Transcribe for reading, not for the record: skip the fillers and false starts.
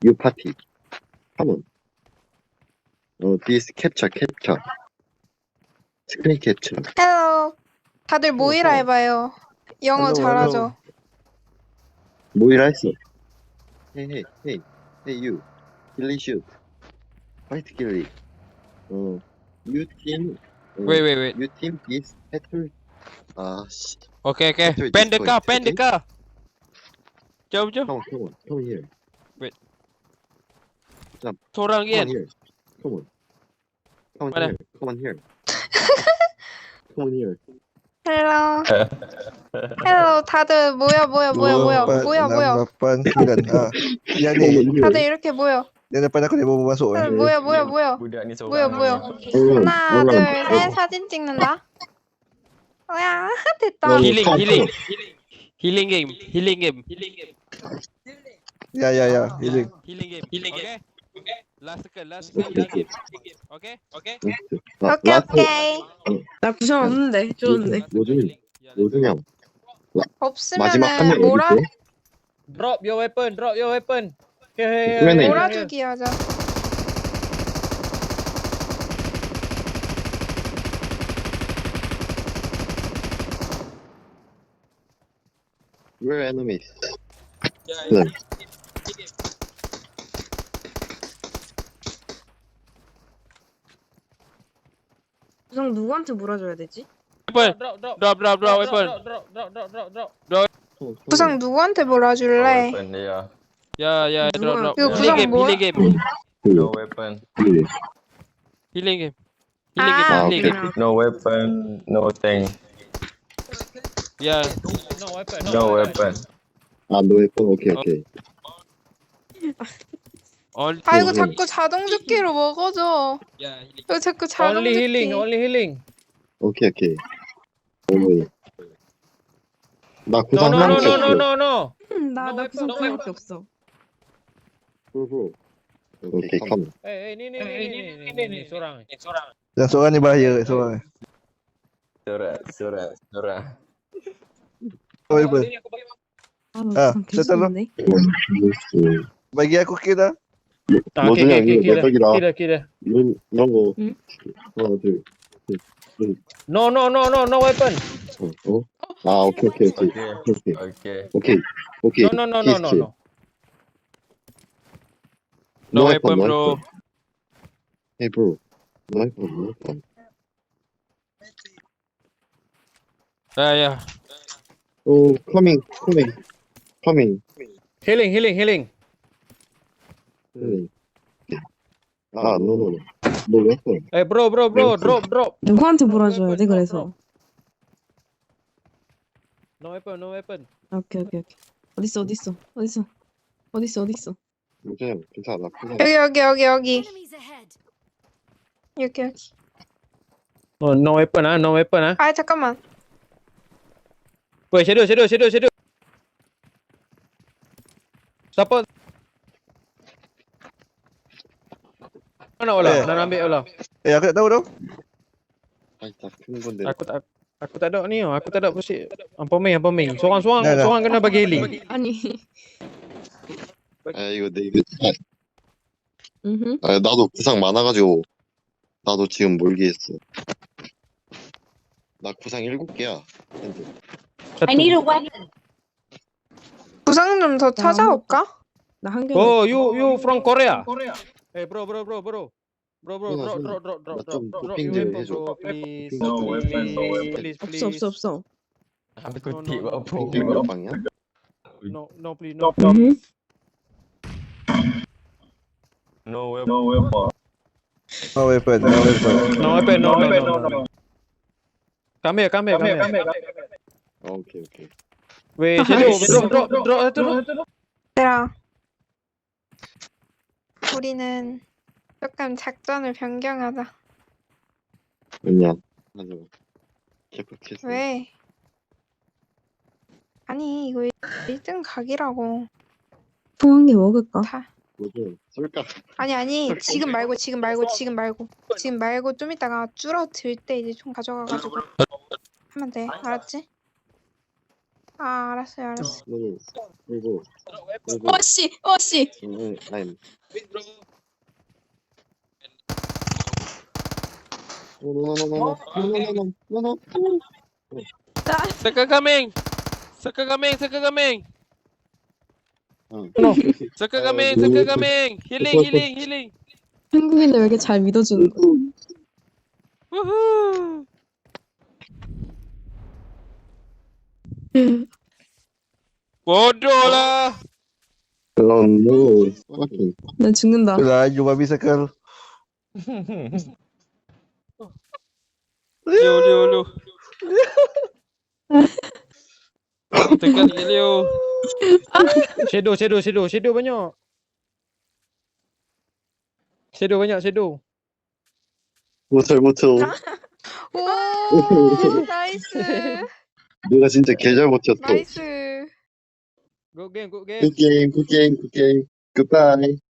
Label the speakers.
Speaker 1: You party. Come on. This capture. 스크린 캡처.
Speaker 2: 헬로. 다들 모이라
Speaker 1: 헬로.
Speaker 2: 해봐요. 영어
Speaker 1: 헬로,
Speaker 2: 잘하죠.
Speaker 1: 모이라 했어. Hey, you. Killy shoot. Fight killy. You team.
Speaker 3: Wait.
Speaker 1: You team is battle. 씨.
Speaker 3: Okay.
Speaker 1: Battle
Speaker 3: Pen the
Speaker 1: destroyed,
Speaker 3: car, pen the
Speaker 1: okay?
Speaker 3: car. Jom.
Speaker 1: Come here.
Speaker 3: Seorang
Speaker 1: Come on
Speaker 3: Ian.
Speaker 1: here. Come on.
Speaker 3: Mana?
Speaker 1: Come on here. Come on here.
Speaker 2: 헬로. 헬로. 다들 모여.
Speaker 4: 8, 9. Yang ni.
Speaker 2: 다들 이렇게 모여.
Speaker 4: Yang depan aku dia baru masuk.
Speaker 2: 다들 모여.
Speaker 5: Budak ni
Speaker 2: 모여.
Speaker 5: seorang.
Speaker 2: 하나, 둘, 셋. 사진 찍는다. 야, 됐다.
Speaker 3: Healing game.
Speaker 4: Ya. Healing.
Speaker 3: Healing game. Okay. Last second. Healing game. Okay.
Speaker 2: 오케이.
Speaker 6: 나 구상 없는데 좋은데.
Speaker 1: 요즘 형. 마지막 한
Speaker 2: 없으면은
Speaker 1: 명
Speaker 2: 몰아
Speaker 1: 어디 있대?
Speaker 5: Drop your weapon. Here.
Speaker 1: 그러네.
Speaker 2: 몰아주기 하자.
Speaker 1: We're enemies.
Speaker 6: 구상 누구한테 몰아줘야 되지?
Speaker 3: Weapon.
Speaker 5: Drop.
Speaker 3: Drop weapon.
Speaker 5: Drop.
Speaker 2: 구상 누구한테 몰아줄래?
Speaker 5: Weapon dia.
Speaker 3: Yeah. Drop.
Speaker 2: 이거 구상 뭐야?
Speaker 3: Healing game.
Speaker 5: No weapon.
Speaker 3: Healing game.
Speaker 2: 아,
Speaker 3: Healing game.
Speaker 5: No weapon. No thing.
Speaker 3: Yeah.
Speaker 5: No weapon.
Speaker 1: 너 예뻐. 오케이.
Speaker 3: Only.
Speaker 2: 아이고 자꾸 자동 죽기로 먹어줘.
Speaker 3: Yeah.
Speaker 2: 이거 자꾸 자동
Speaker 5: Only
Speaker 2: 죽기.
Speaker 5: healing.
Speaker 1: 오케이. 나 구상 하나 없어.
Speaker 5: No.
Speaker 6: 나 구상 그거밖에 없어.
Speaker 1: 오케이, 컴.
Speaker 5: Ni seorang.
Speaker 4: Yang seorang ni bahaya seorang.
Speaker 5: Seorang.
Speaker 4: Oh, apa?
Speaker 6: 아, 구상 계속
Speaker 4: settle.
Speaker 6: 없네.
Speaker 4: Bagi aku kill dah.
Speaker 1: 모두냐, 이거 내 적이다.
Speaker 5: Kira.
Speaker 1: 이런 거.
Speaker 6: 응?
Speaker 1: 하나, 둘.
Speaker 5: No weapon.
Speaker 1: 오케이.
Speaker 5: No.
Speaker 3: No weapon, bro.
Speaker 1: Hey, bro. No weapon.
Speaker 3: Yeah.
Speaker 1: Oh, coming.
Speaker 5: Healing.
Speaker 1: No. No weapon.
Speaker 5: Hey, bro. Drop.
Speaker 6: 누구한테 몰아줘야 돼 그래서.
Speaker 5: No weapon.
Speaker 6: 오케이. 어딨어?
Speaker 1: 요즘 괜찮아.
Speaker 2: 여기. 여기.
Speaker 5: Oh, no weapon.
Speaker 2: 아 잠깐만.
Speaker 5: Wait, shadow. Siapa? Mana olah? Nak ambil olah.
Speaker 4: Aku tak tahu dah.
Speaker 1: tak 큰 건데.
Speaker 5: Aku tak ada ni. Aku tak ada pusing. Ampaming. Seorang
Speaker 4: Dah.
Speaker 5: kena bagi healing.
Speaker 6: 아니.
Speaker 1: 이거
Speaker 6: 음.
Speaker 1: 나도 구상 많아가지고 나도 지금 몰기했어. 나 구상 7개야.
Speaker 6: I need a weapon.
Speaker 2: 구상 좀 더 찾아올까?
Speaker 6: 나 한 개.
Speaker 5: Oh, you from Korea? Hey, bro. Drop.
Speaker 1: 좀
Speaker 5: Drop
Speaker 1: 도핑
Speaker 5: your
Speaker 1: 좀
Speaker 5: weapon,
Speaker 1: 해줘.
Speaker 5: bro. Please.
Speaker 1: No weapon.
Speaker 5: Please.
Speaker 6: 없어.
Speaker 5: Aku
Speaker 1: 몇 방이야?
Speaker 5: No, please.
Speaker 4: No weapon.
Speaker 5: No weapon. Come here.
Speaker 1: 오케이.
Speaker 5: Wait, shadow. Drop.
Speaker 2: 얘들아. 우리는 조금 작전을 변경하자.
Speaker 1: 왜냐? 맞아. 개빡쳤어.
Speaker 2: 왜? 아니 이거 1등 각이라고.
Speaker 6: 통한 개 먹을까?
Speaker 2: 다.
Speaker 1: 뭐좀 쏠까?
Speaker 2: 아니 지금 말고 좀 이따가 줄어들 때 이제 총 가져가가지고 하면 돼. 알았지? 아, 알았어요, 알았어.
Speaker 1: 그리고
Speaker 6: 어씨, 어씨.
Speaker 1: 아니
Speaker 3: Circle kambing. Circle kambing, circle kambing. Circle kambing, circle kambing. Healing, healing, healing.
Speaker 6: 한국인들 왜 이렇게 잘 믿어주는 거?
Speaker 3: Woohoo. Bodoh lah.
Speaker 1: Oh no fucking
Speaker 6: 난 죽는다.
Speaker 4: Laju babi circle.
Speaker 3: Leo, Leo, Leo. Tekan sikit Leo.
Speaker 5: Shadow banyak. Shadow banyak, shadow.
Speaker 1: 못해
Speaker 2: 오, 나이스.
Speaker 1: 내가 진짜 개잘 버텼어
Speaker 2: 나이스.
Speaker 5: Good game, good game.
Speaker 1: 굿게임 굿바이